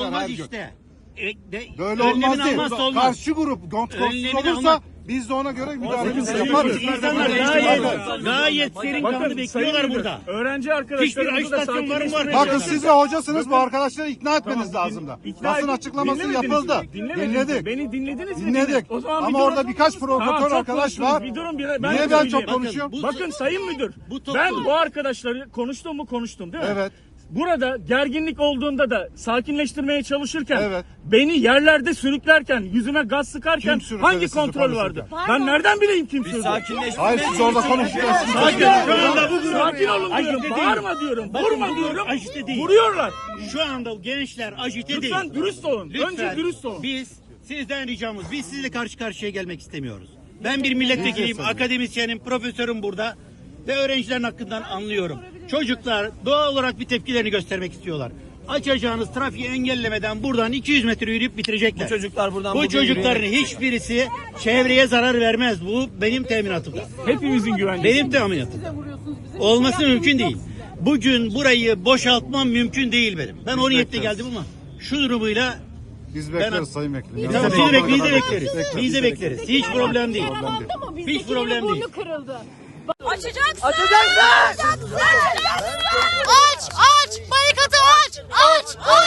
olmaz her gün. işte. Böyle olmaz değil. Olmaz. Karşı grup kontrolsüz olursa biz de ona göre müdahalemizi Bakın, yaparız. İnsanlar gayet serin kanlı bekliyorlar burada. Öğrenci Hiçbir arkadaşlarımızı da ajitasyon var mı? Bakın siz de hocasınız, bu arkadaşları ikna etmeniz lazım da. Basın açıklaması yapıldı. Dinledik. Beni dinlediniz mi? Dinledik. O zaman ama orada birkaç provokatör arkadaş var. Bir durun, Niye ben çok konuşuyorum? Bakın Sayın Müdür, ben bu arkadaşları konuştum değil mi? Evet. Burada gerginlik olduğunda da sakinleştirmeye çalışırken, Evet. beni yerlerde sürüklerken, yüzüme gaz sıkarken Kim sürükledi hangi sizi kontrol polise? vardı? Ben nereden bileyim kim sürdü? Hayır, siz orada konuşuyorsunuz. Sakin olun diyorum, bağırma diyorum, vurma diyorum, vuruyorlar. Şu anda gençler ajite değil. Lütfen dürüst olun, Lütfen. önce dürüst olun. Biz sizden ricamız, biz sizinle karşı karşıya gelmek istemiyoruz. Ben bir milletvekiliyim, akademisyenim, profesörüm burada ve öğrencilerin hakkından anlıyorum. Çocuklar doğal olarak bir tepkilerini göstermek istiyorlar. Açacağınız trafiği engellemeden buradan 200 metre yürüyüp bitirecekler. Bu çocukların hiçbirisi çevreye zarar vermez. Bu benim teminatımda. Hepimizin güvencesi. Benim teminatım. Olması mümkün değil. Bugün burayı boşaltmam mümkün değil benim. Ben o niyetle geldim ama şu durumuyla Biz bekleriz Sayın Vekilim. biz de bekleriz. Biz de bekleriz. Hiç problem değil. Hiç problem değil. Açacaksın. Açacaksın. Aç. Barikatı aç. Aç.